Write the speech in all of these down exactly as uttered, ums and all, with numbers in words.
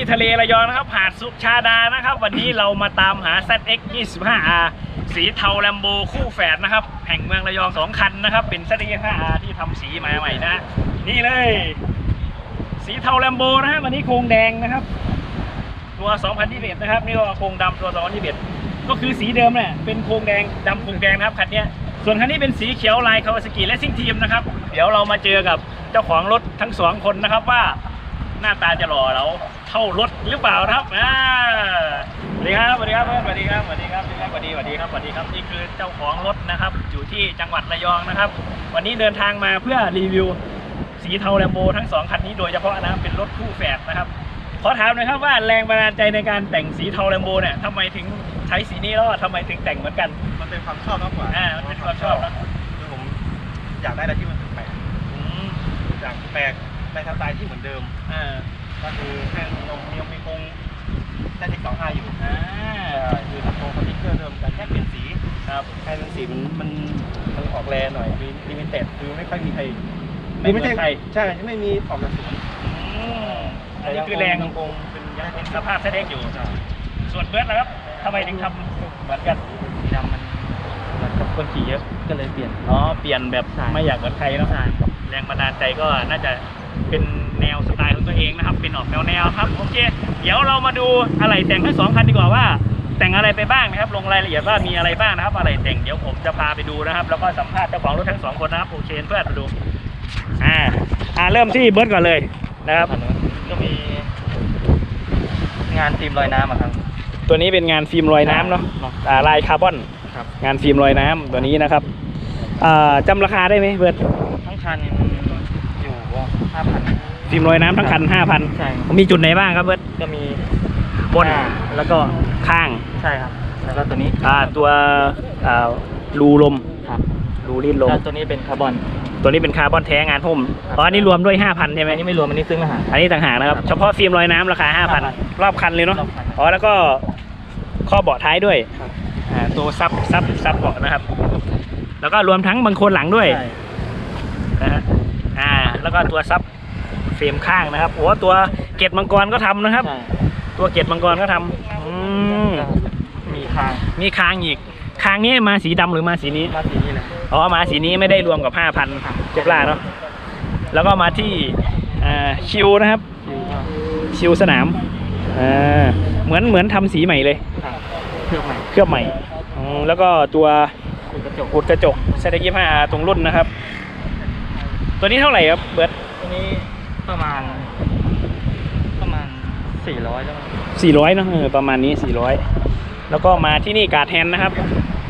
ทะเลระยองนะครับหาดสุชาดานะครับวันนี้เรามาตามหา แซด เอ็กซ์ ยี่สิบห้า อาร์ สีเทาแลมโบคู่แฝดนะครับแห่งเมืองระยองสองคันนะครับเป็น แซด เอ็กซ์ ยี่สิบห้า อาร์ ที่ทำสีมาใหม่นะนี่เลยสีเทาแลมโบนะฮะวันนี้โครงแดงนะครับตัวสองพันยี่สิบเอ็ดนะครับนี่ก็โครงดำตัวสองพันยี่สิบเอ็ดก็คือสีเดิมแหละเป็นโครงแดงดำโครงแดงนะครับคันนี้ส่วนคันนี้เป็นสีเขียวลายคาวาซากิและซิ่งทีมนะครับเดี๋ยวเรามาเจอกับเจ้าของรถทั้งสองคนนะครับว่าหน้าตาจะหล่อเราเท่ารถหรือเปล่าครับอ่าสวัสดีครับสวัสดีครับสวัสดีครับสวัสดีครับสวัสดีสวัสดีครับสวัสดีครับนี่คือเจ้าของรถนะครับอยู่ที่จังหวัดระยองนะครับวันนี้เดินทางมาเพื่อรีวิวสีเทาแลมโบทั้งสองคันนี้โดยเฉพาะนะครับเป็นรถคู่แฝดนะครับขอถามหน่อยครับว่าแรงบันดาลใจในการแต่งสีเทาแลมโบเนี่ยทำไมถึงใช้สีนี้แล้วทำไมถึงแต่งเหมือนกันมันเป็นความชอบมากกว่าอ่ามันเป็นความชอบนะคือผมอยากได้อะไรที่มันแปลกอยากแปลกในสไตล์ที่เหมือนเดิมอ่าก็คือแค่มีมีมีคงแค่ที่สองห้าอยู่อ่าคือทำโครงสติ๊กเกอร์เดิมแต่แค่เปลี่ยนสีครับแค่เป็นสีมันมันมันออกแรหน่อยมีลิมิเต็ดคือไม่ค่อยมีใครไม่ใช่ใช่ไม่มีออกจากสวนอันนี้คือแรงคงเป็นยังเป็นสภาพแท้ๆอยู่ส่วนเบิร์ดนะครับทำไมถึงทำเหมือนกันสีดำมันมันกับคนขี่เยอะก็เลยเปลี่ยนอ๋อเปลี่ยนแบบไม่อยากเหมือนใครเนาะแรงบันดาลใจก็น่าจะเป็นแนวสไตล์ของตัวเองนะครับเป็นออกแนวแนวครับโอเคเดี๋ยวเรามาดูอะไรแต่งทั้งสองคันดีกว่าว่าแต่งอะไรไปบ้างนะครับลงรายละเอียดว่ามีอะไรบ้างนะครับอะไรแต่งเดี๋ยวผมจะพาไปดูนะครับแล้วก็สัมภาษณ์เจ้าของรถทั้งสองคนนะครับโอเคเพื่อนมาดูอ่าอ่าเริ่มที่เบิร์ดก่อนเลยนะครับก็มีงานฟิล์มลอยน้ำครับตัวนี้เป็นงานฟิล์มลอยน้ำเนาะอ่าลายคาร์บอนงานฟิล์มลอยน้ำตัวนี้นะครับอ่าจำราคาได้ไหมเบิร์ดทั้งคันอยู่ห้าพันฟิล์มลอยน้ำทั้งคันห้าพันใช่มีจุดไหนบ้างครับเบิร์ดก็มีบนแล้วก็ข้างใช่ครับแล้วก็ตัวนี้อ่าตัวอ่ารูลมครับรูรีดลมตัวนี้เป็นคาร์บอนตัวนี้เป็นคาร์บอนแท้งานหุ้มเพราะอันนี้รวมด้วย ห้าพัน ใช่ไหมอันนี้ไม่รวมอันนี้ซื้อมาหาอันนี้ต่างหากนะครับเฉพาะฟิล์มลอยน้ำราคา ห้าพัน รอบคันเลยเนาะอ๋อแล้วก็ข้อเบาะท้ายด้วยอ่าตัวซับซับซับเบาะนะครับแล้วก็รวมทั้งบังโคลนหลังด้วยนะฮะอ่าแล้วก็ตัวซับเฟรมข้างนะครับโอ้ตัวเกล็ดมังกรก็ทำนะครับตัวเกล็ดมังกรก็ทำอืมมีคางมีคางอีกคางนี้มาสีดำหรือมาสีนี้มาสีนี้เลยอ๋อมาสีนี้ไม่ได้รวมกับ ห้าพัน เจ็บล่าเนาะแล้วก็มาที่ชิวนะครับชิวสนามอ่าเหมือนเหมือนทำสีใหม่เลยเคลือบใหม่เคลือบใหม่แล้วก็ตัวอุดกระจก แซด เอ็กซ์ ยี่สิบห้า อาร์ ตรงรุ่นนะครับตัวนี้เท่าไหร่ครับเบิร์ดตัวนี้ประมาณประมาณสี่ร้อยแล้วสี่ร้อยเนาะประมาณนี้สี่ร้อยแล้วก็มาที่นี่การ์ดแฮนด์นะครับ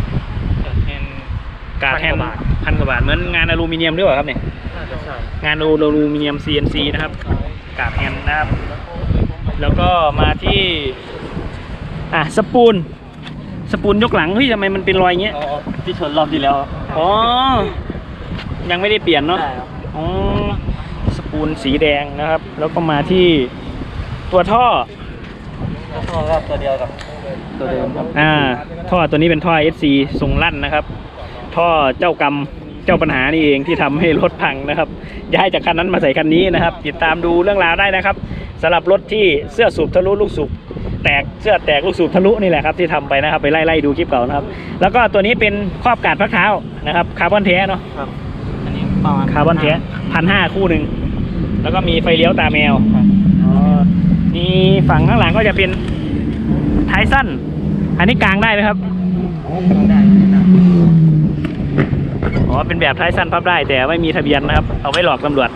การ์ดแฮนด์พันกว่าบาทเหมือนงานอลูมิเนียมด้วยครับเนี่ยงานอลูมิเนียม ซี เอ็น ซี นะครับการ์ดแฮนด์นะครับแล้วก็มาที่อ่ะสปูนสปูนยกหลังเฮ้ยทำไมมันเป็นรอยเงี้ยที่ชนรอบที่แล้วอ๋อยังไม่ได้เปลี่ยนเนาะอ๋อสปูนสีแดงนะครับแล้วก็มาที่ตัวท่อท่อครับตัวเดียวกับตัวเดิมครับอ่าท่อตัวนี้เป็นท่อ เอส ซี ทรงลั่นนะครับท่อเจ้ากรรมเจ้าปัญหานี่เองที่ทำให้รถพังนะครับย้ายจากคันนั้นมาใส่คันนี้นะครับติดตามดูเรื่องราวได้นะครับสำหรับรถที่เสื้อสูบทะลุลูกสูบแตกเสื้อแตกลูกสูบทะลุนี่แหละครับที่ทำไปนะครับไปไล่ๆดูคลิปเก่านะครับแล้วก็ตัวนี้เป็นครอบกาดพักเท้านะครับคาร์บอนแท้เนาะครับอันนี้ประมาณคาร์บอนแท้พันห้าคู่หนึ่งแล้วก็มีไฟเลี้ยวตาแมวอ๋อมีฝั่งข้างหลังก็จะเป็นท้ายสั้นอันนี้กลางได้ไหมครับได้อ๋อเป็นแบบท้ายสั้นพับได้แต่ไม่มีทะเบียนนะครับเอาไว้หลอกตำรวจ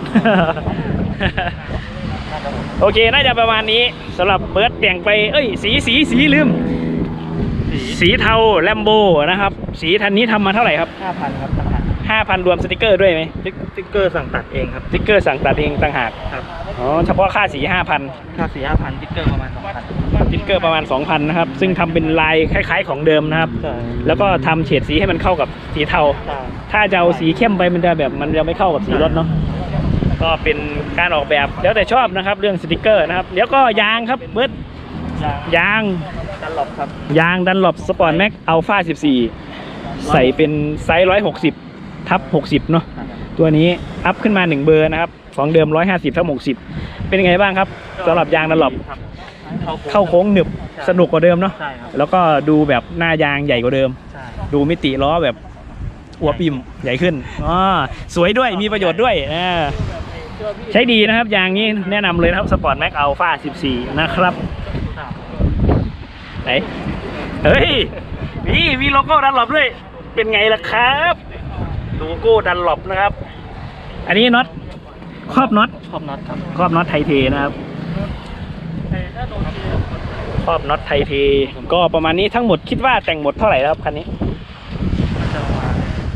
โอเคน่าจะประมาณนี้สำหรับเบิร์ดแต่งไปเอ้ยสีสีสีลืมสีเทาแลมโบนะครับสีทันนี้ทำมาเท่าไหร่ครับห้าพัน ครับห้าพันรวมสติกเกอร์ด้วยไหมสติกเกอร์สั่งตัดเองครับสติกเกอร์สั่งตัดเองต่างหากครับอ๋อเฉพาะค่าสี ห้าพันค่าสี ห้าพัน สติกเกอร์ประมาณ สองพันสติกเกอร์ประมาณ สองพัน นะครับซึ่งทำเป็นลายคล้ายๆของเดิมนะครับแล้วก็ทำเฉดสีให้มันเข้ากับสีเทาถ้าจะเอาสีเข้มไปมันจะแบบมันจะไม่เข้ากับสีรถเนาะก็เป็นการออกแบบแล้วแต่ชอบนะครับเรื่องสติกเกอร์นะครับเดี๋ยวก็ยางครับเบิร์ดยางดันหลบครับยางดันหลบสปอร์ตแม็กอัลฟาสิบสี่ใส่เป็นไซส์หนึ่งร้อยหกสิบทับหกสิบเนาะตัวนี้อัพขึ้นมาหนึ่งเบอร์นะครับของเดิมหนึ่งร้อยห้าสิบทับหกสิบเป็นยังไงบ้างครับสำหรับยางดันหลบเข้าโค้งหนึบสนุกกว่าเดิมเนาะใช่ครับแล้วก็ดูแบบหน้ายางใหญ่กว่าเดิมใช่ดูมิติล้อแบบอวบอิ่มใหญ่ขึ้นอ๋อสวยด้วยมีประโยชน์ด้วยอ่าใช้ดีนะครับยางนี้แนะนำเลยนะครับสปอร์ตแม็กอัลฟาสิบสี่นะครับไหนเฮ้ยนี่มีโลโก้ดันหลบด้วยเป็นไงล่ะครับโลโก้ดันหลบนะครับ อันนี้น็อตครอบน็อตชอบน็อตครับครอบน็อตไทเทนะครับครอบน็อตไทเทก็ประมาณนี้ทั้งหมดคิดว่าแต่งหมดเท่าไหร่ครับคันนี้จะประมาณ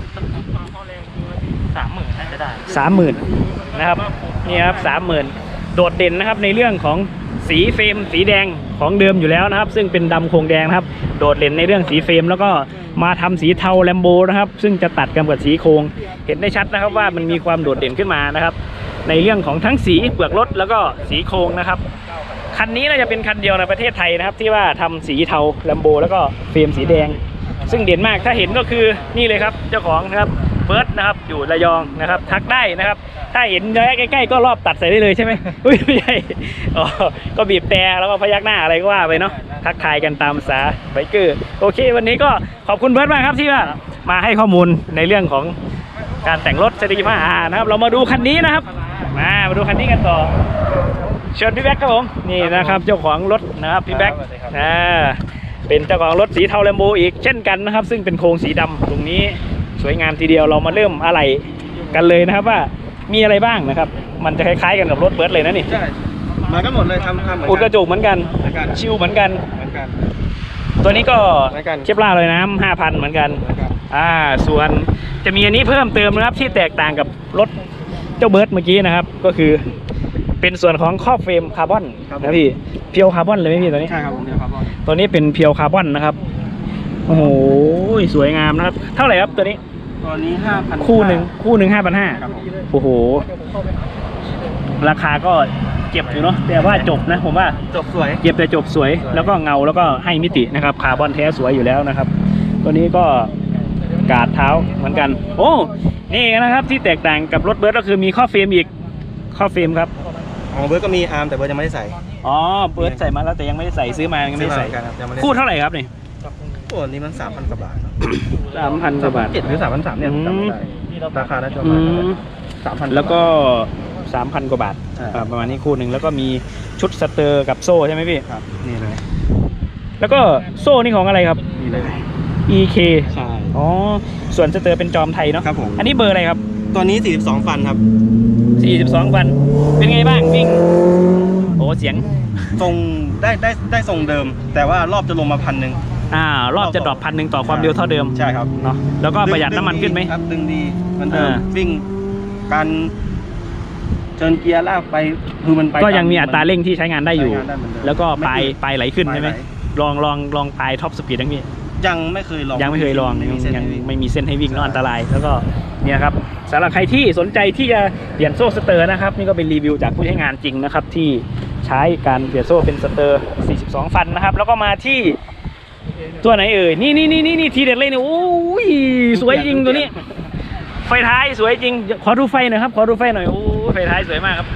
สามหมื่นน่าจะได้สามหมื่นนะครับนี่ครับสามหมื่นโดดเด่นนะครับในเรื่องของสีเฟรมสีแดงของเดิมอยู่แล้วนะครับ ซึ่งเป็นดำโครงแดงนะครับโดดเด่นในเรื่องสีเฟรมแล้วก็มาทำสีเทาแลมโบนะครับซึ่งจะตัดกันกับสีโครงเห็นได้ชัดนะครับว่ามันมีความโดดเด่นขึ้นมานะครับในเรื่องของทั้งสีเปลือกรถแล้วก็สีโครงนะครับคันนี้น่าจะเป็นคันเดียวในประเทศไทยนะครับที่ว่าทำสีเทาแลมโบแล้วก็เฟรมสีแดงซึ่งเด่นมากถ้าเห็นก็คือนี่เลยครับเจ้าของนะครับเบิร์ดนะครับอยู่ระยองนะครับทักได้นะครับถ้าเห็นระยะใกล้ๆก็รอบตัดใส่ได้เลยใช่ไหมอุ้ยไม่ใช่อ๋อก็บีบแต่แล้วก็พยักหน้าอะไรก็ว่าไปเนาะทักทายกันตามภาษาไบเกอร์โอเควันนี้ก็ขอบคุณเบิร์ดมากครับที่ว่ามาให้ข้อมูลในเรื่องของการแต่งรถ ซี ห้า อาร์ นะครับเรามาดูคันนี้นะครับมามาดูคันนี้กันต่อเชิญพี่แบ็คครับผมนี่นะครับเจ้าของรถนะครับพี่แบ็คอ่าเป็นเจ้าของรถสีเทาแลมโบอีกเช่นกันนะครับซึ่งเป็นโครงสีดำตรงนี้สวยงามทีเดียวเรามาเริ่มอะไรกันเลยนะครับว่ามีอะไรบ้างนะครับมันจะคล้ายๆกันกับรถเบิร์ดเลยนะนี่ใช่มาก็หมดเลยทำทำเหมือนอุดกกัระจกเหมือนกันเหมือนกันชิวเหมือนกันเหมือนกันตัวนี้ก็เหมือนกันเชฟล่าเลยน้ำห้าพันเหมือนกันเหมือนกันอ่าส่วนจะมีอันนี้เพิ่มเติมนะครับที่แตกต่างกับรถเจ้าเบิร์ดเมื่อกี้นะครับก็คือเป็นส่วนของครอบเฟรมคาร์บอนนะพี่เพียวคาร์บอนเลยไหมพี่ตัวนี้ใช่ครับผมเดียวครับบอลตัวนี้เป็นเพียวคาร์บอนนะครับโอ้โหสวยงามนะครับเท่าไหร่ครับตัวนี้ตัวนี้ห้าพันคู่หนึ่งคู่หนึ่งห้าพันห้าครับผมโอ้โหราคาก็เจ็บอยู่เนาะแต่ว่าจบนะผมว่าจบสวยเจ็บแต่จบสวยแล้วก็เงาแล้วก็ให้มิตินะครับคาร์บอนแท้สวยอยู่แล้วนะครับ ตัวนี้ก็กาดเท้าเหมือนกัน โอ้นี่นะครับที่แตกต่างกับรถเบิร์ดก็คือมีข้อเฟรมอีกข้อเฟรมครับของเบิร์ดก็มีอาร์มแต่เบิร์ดยังไม่ได้ใส่อ๋อเบิร์ดใส่มาแล้วแต่ยังไม่ได้ใส่ซื้อมายังไม่ได้ใส่ซื้อมาเหมือนกันครับยังไม่ได้คู่เท่าไหร่ครับนี่ตัวนี้มันสามพันกว่าบาทสามพันกว่าบาทเจ็ดหรือสามพันสามเนี่ยอืมจำไม่ได้ราคาน่าจะประอืมาณมสามพันแล้วก็สามพันกว่าบาทใช่อ่าประมาณนี้คู่หนึ่งแล้วก็มีชุดสเตอร์กับโซ่ใช่ไหมพี่ครับนี่เลยแล้วก็โซ่นี่ของอะไรครับนี่เลยอี เคใช่อ๋อส่วนสเตอร์เป็นจอมไทยเนาะครับผมอันนี้เบอร์อะไรครับตัวนี้สี่สิบสองฟันครับสี่สิบสองวันเป็นไงบ้างวิ่งโอ้เสียงทรงได้ได้ได้ทรงเดิม แต่ว่ารอบจะลงมาพันหนึ่งอ่ารอบจะดรอปพันหนึ่งต่อความเร็วเท่าเดิมใช่ครับเนาะแล้วก็ประหยัดน้ำมันขึ้นไหมครับดึงดีมันเดิมอ่าวิ่งการเชิญเกียร์ลากไปคือมันไปก็ยังมีอัตราเร่งที่ใช้งานได้อยู่ใช้งานได้เหมือนเดิมแล้วก็ปลายไม่ปลายไหลขึ้นใช่ไหมปลายไหลลองลองลองปลายท็อปสปีดทั้งนี้ยังไม่เคยลองยังไม่เคยลองไม่มีเส้นยังให้วิ่งไม่มีเส้นให้วิ่งเนอะใช่อันตรายแล้วก็เนี่ยครับสำหรับใครที่สนใจที่จะเปลี่ยนโซ่สเตอร์นะครับนี่ก็เป็นรีวิวจากผู้ใช้งานจริงนะครับที่ใช้การเปลี่ยนโซ่เป็นสเตอร์สี่สิบสองฟันนะครับแล้วก็มาที่ตัวไหนเอ่ยนี่นี่นี่นี่นี่ทีเด็ดเลยเนี่ยโอ้ยสวยจริงตัวนี้ ไฟท้ายสวยจริงขอดูไฟหน่อยครับขอดูไฟหน่อยโอ้ยไฟท้ายสวยมากครับ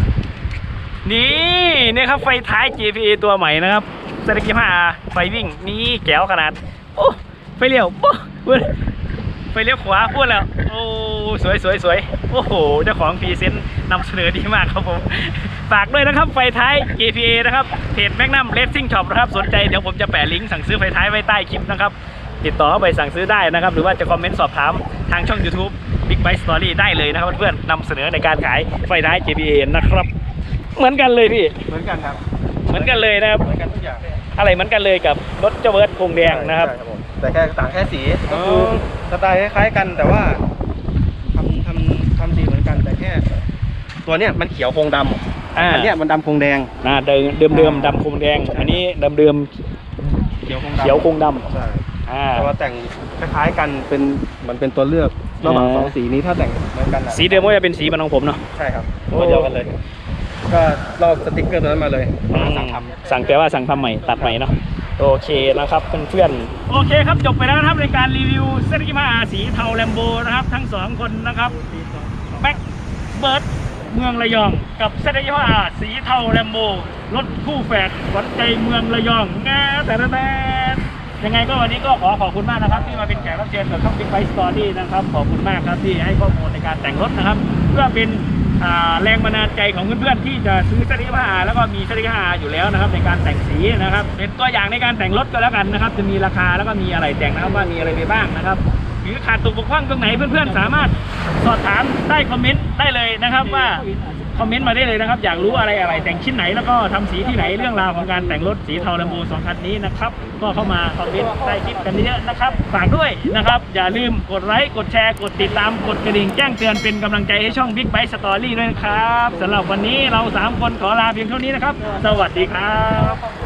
นี่เนี่ยครับไฟท้าย จี พี เอ ตัวใหม่นะครับเซตยี่ห้าไฟวิ่งนี่แก้วขนาดโอ้ไฟเลี้ยวปุ๊บไฟเลี้ยวขวาพูดแล้วโอ้สวยสวยสวยโอ้โหเจ้าของพรีเซนต์นำเสนอดีมากครับผมฝากด้วยนะครับไฟท้าย จี พี เอ นะครับเพจแมกนัมเรซซิ่งช็อปนะครับสนใจเดี๋ยวผมจะแปะลิงก์สั่งซื้อไฟท้ายไว้ใต้คลิปนะครับติดต่อเข้าไปสั่งซื้อได้นะครับหรือว่าจะคอมเมนต์สอบถามทางช่อง YouTube Big Bike Story ได้เลยนะครับเพื่อนๆนำเสนอในการขายไฟท้าย จี พี เอ นะครับเหมือนกันเลยพี่เหมือนกันครับเหมือนกันเลยนะครับเหมือนกันทุกอย่างอะไรเหมือนกันเลยกับรถเจ้าเบิร์ดโครงแดงนะครับใช่ผมแต่แค่ต่างแค่สีก็อ๋คืออสไตล์คล้ายๆกันแต่ว่าทำทำทำสีเหมือนกันแต่แค่ ตัวเนี้ยมันเขียวโครงดำอ่าอันเนี้ยมันดำโครงแดงอ่าเดิมเดิมเดิมดำโครงแดง อันนี้เดิมเดิมเขียวโครงดำเขียวโครงดใช่ำอ่าแต่ว่าแต่งคล้ายๆกันเป็นเหมันเป็นตัวเลือกระหว่างอ่าสองสีนี้ถ้าแต่งเหมือนกันนะสีเดิมก็จะเป็นสีมันของผมเนาะใช่ครับโอ้ตัวเดียวกันเลย ก็ลอกสติ๊กเกอร์ตัวนั้นมาเลยสั่งทำสั่งแต่ว่าสั่งทำใหม่ตัดใหม่เนาะโอเคนะครับเพื่อนๆโอเคครับจบไปแล้วนะครับในการรีวิวเซตกิมาสีเทาแลมโบนะครับทั้งสองคนนะครับแบ็คเบิร์ดเมืองระยองกับเซตกิมาสีเทาแลมโบรถคู่แฝดขวัญใจเมืองระยองงาแต่ละแต่ยังไงก็วันนี้ก็ขอขอบคุณมากนะครับที่มาเป็นแขกรับเชิญกับช่อง Big Bike Story นะครับขอบคุณมากครับที่ให้ข้อมูลในการแต่งรถนะครับเพื่อเป็นอ่าแรงบันดาลใจของเพื่อนๆที่จะซื้อเซต ยี่สิบห้าอาร์ แล้วก็มีเซต ยี่สิบห้าอาร์ อยู่แล้วนะครับในการแต่งสีนะครับเป็นตัวอย่างในการแต่งรถก็แล้วกันนะครับจะมีราคาแล้วก็มีอะไรแต่งนะครับว่ามีอะไรไปบ้างนะครับหรือขาดตกบกพร่องตรงไหนเพื่อนๆสามารถสอบถามใต้คอมเมนต์ได้เลยนะครับว่าคอมเมนต์มาได้เลยนะครับอยากรู้อะไรอะไรแต่งชิ้นไหนแล้วก็ทำสีที่ไหนเรื่องราวของการแต่งรถสีเทาแลมโบสองคันนี้นะครับก็เข้ามาคอมเมนต์ใต้คลิปกันเยอะนะครับฝากด้วยนะครับอย่าลืมกดไลค์กดแชร์กดติดตามกดกระดิ่งแจ้งเตือนเป็นกำลังใจให้ช่อง Big Bike Story ด้วยนะครับสำหรับวันนี้เราสามคนขอลาเพียงเท่านี้นะครับสวัสดีครับ